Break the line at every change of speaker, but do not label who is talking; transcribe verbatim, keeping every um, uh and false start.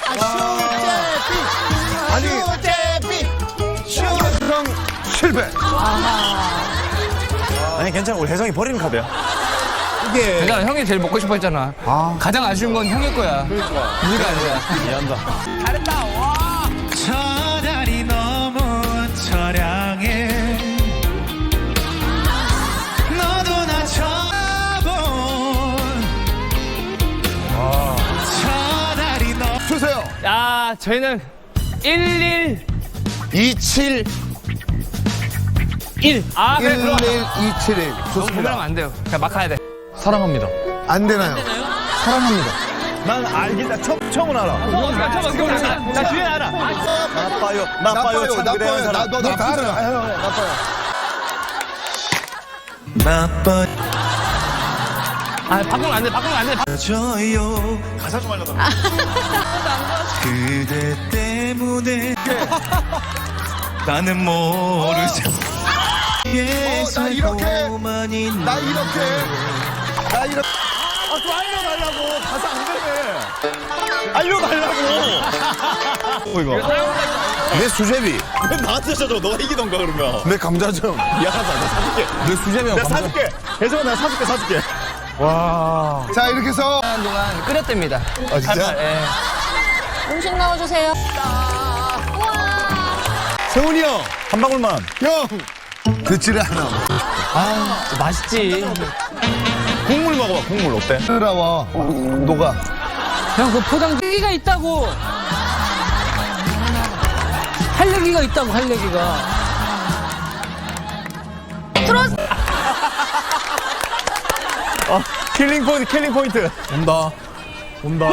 아니, 혜성 실패.
아니 괜찮아, 우리 혜성이 버리는 카드야.
이게
내가 형이 제일 먹고 싶어 했잖아.
아.
가장 아쉬운 건 형일 거야.
그러니까.
네가 아니야.
이해한다.
잘했다. 와.
저 달이 너무 처량해 너도 나 쳐본 저 달이 너
주세요.
야, 저희는 일일
이칠
일. 아, 그래 들어와.
일일이칠일.
너무
좋습니다.
고민하면 안 돼요. 그냥 막 가야 돼.
사랑합니다.
안 되나요?
사랑합니다. 난 알겠다. 처음, 처음은 알아.
잠깐만, 잠깐만.
나 뒤에 알아. 나빠요, 나빠요, 참 그래요,
나빠요.
사람.
너 다 알아. 나빠요.
나빠져요
아, 바꾸면 안 돼. 바꾸면 안 돼.
가사 좀 알려달라.
그대 때문에 나는 모르죠
어, 나 이렇게, 나 이렇게, 나 이렇게.
아, 좀 알려달라고. 가사 안 되네. 알려달라고. 어, 이거.
내 수제비,
왜 나한테 줘줘? 너가 이기던가, 그러면.
내 감자전,
미안하다, 내가 사줄게.
내 수제비하고
내가
감자.
사줄게. 혜성아, 내가 사줄게, 사줄게. 와.
자, 이렇게 해서.
시간 동안 끓였답니다.
아, 진짜?
예.
음식 넣어주세요.
세훈이 형, 한 방울만.
형! 듣지를 않아.
아, 맛있지.
국물 먹어봐, 국물 어때?
뜨라워. 녹아.
형, 그 포장 얘기가 있다고. 할 얘기가 있다고, 할 얘기가.
킬링 포인트, 킬링 포인트.
온다. 온다.